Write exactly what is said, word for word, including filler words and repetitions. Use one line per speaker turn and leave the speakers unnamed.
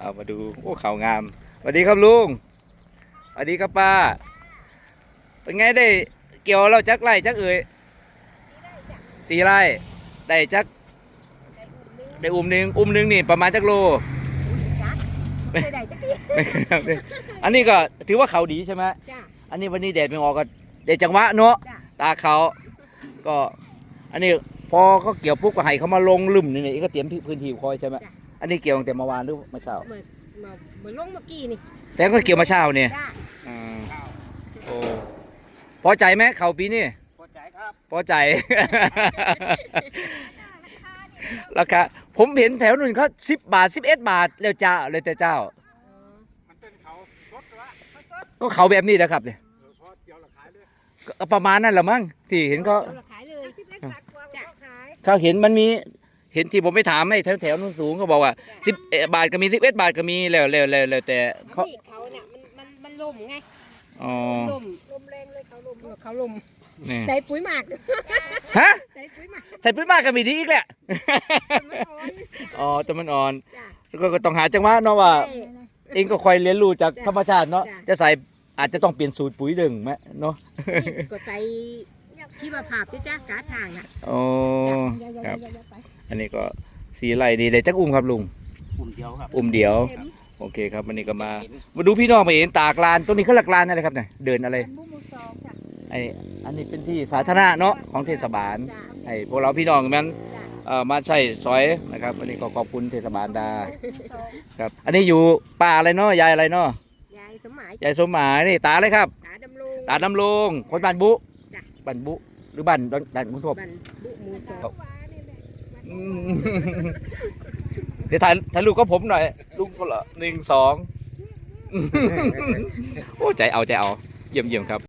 เอามาดูโอ้เขางามสวัสดีครับลุงสวัสดีครับป้าเป็นไงได้เกี่ยวเราจักไร่จักเอ่ยสี่ไร่ได้จักได้อุ้มหนึ่งอุ้มหนึ่งนี่ประมาณจักโลไม่ได้จักทีอันนี้ก็ถือว่าเขาดีใช่ไหมอันนี้วันนี้แดดไม่ออกก็เดดจังหวะเนาะตาเขาก็อันนี้พอเขาเกี่ยวปุ๊บก็ให้เขามาลงลุ่มนี่นี่ก็เตรียมพื้นที่คอยใช่ไหมอันนี้เกี่ยวตั้งแต่เมื่อวานหรือเมื่อเช้า
เหมือนเหมือนลงเมื่อกี้นี่
แต่ก็เกี่ยวมาเช้าเนี่ยโอ้พอใจไหมเขาปีนี้
พอใจครับ
พอใจ ราคาผมเห็นแถวนู้นเขาสิบบาทสิบเอ็ดบาทแล้วเจ้าเลยแต่เจ้า
มันเป็นเขาสดวะ
ก็เขาแบบนี้นะครับเนี่ย
พอเกี่ยวราคาเลย
ก็ประมาณนั้นแหละมั้งที่เห็นเขา
ขายเลยสิบเอ็ดบาทกว่าขาย
เขาเห็นมันมีเห็นที่ผมไปถามให้แถวแถวนู้นสูงเขาบอกว่าสิบบาทก็มีสิบเอ็ดบาทก็มีแล้วแล้วแล้วแล้วแต่
เขาเขาเนี่ยมันมันมันลมไง
อ๋อ
ลมลมแรงเลยเขาลมเขาลมใส่ปุ๋ยหมัก
ฮะ
ใส่ปุ๋ยหมัก
ใส่ปุ๋ยหมักก็มีดีอีกแหละอ๋อแต่มันอ่อนก็ต้องหาจังหวะเนาะว่าเองก็คอยเรียนรู้จากธรรมชาติเนาะจะใส่อาจจะต้องเปลี่ยนสูตรปุ๋ยดึงไหมเนาะ
ก็ใส่ที่มาผ่าจ้จ้ากาทางอ่ะ
โอ้ครับอันนี้ก็สีไหลดีเลยจักอุ้มครับลุง
อุ่มเดียวครับ
อุ้มเดียวโอเคครับวันนี้ก็มามาดูพี่น้องมาเห็นตากลานตรงนี้เขาหลักลานอะไรครับเนี่ยเดินอะไรไออันนี้เป็นที่สาธารณะเนาะของเทศบาลไอพวกเราพี่น้องมันเอ่อมาใช้ซอยนะครับวันนี้ก็ขอบคุณเทศบาลดาครับอันนี้อยู่ป่าอะไรเนาะยายอะไรเนาะ
ยายสมหมาย
ยายสมหมายนี่ตาเลยครับ
ตาดำรง
ตาดำรงคนบ้านบุบ้านบุหรือบ้านด่านคุณทบ
บ้านบุมูจบ
เดี๋ยวถ่ายถ่ายรูปกับผมหน่อยลูกคนละหนึ่งสองโอ้ใจเอาใจเอาเยี่ยมเยี่ยมครับ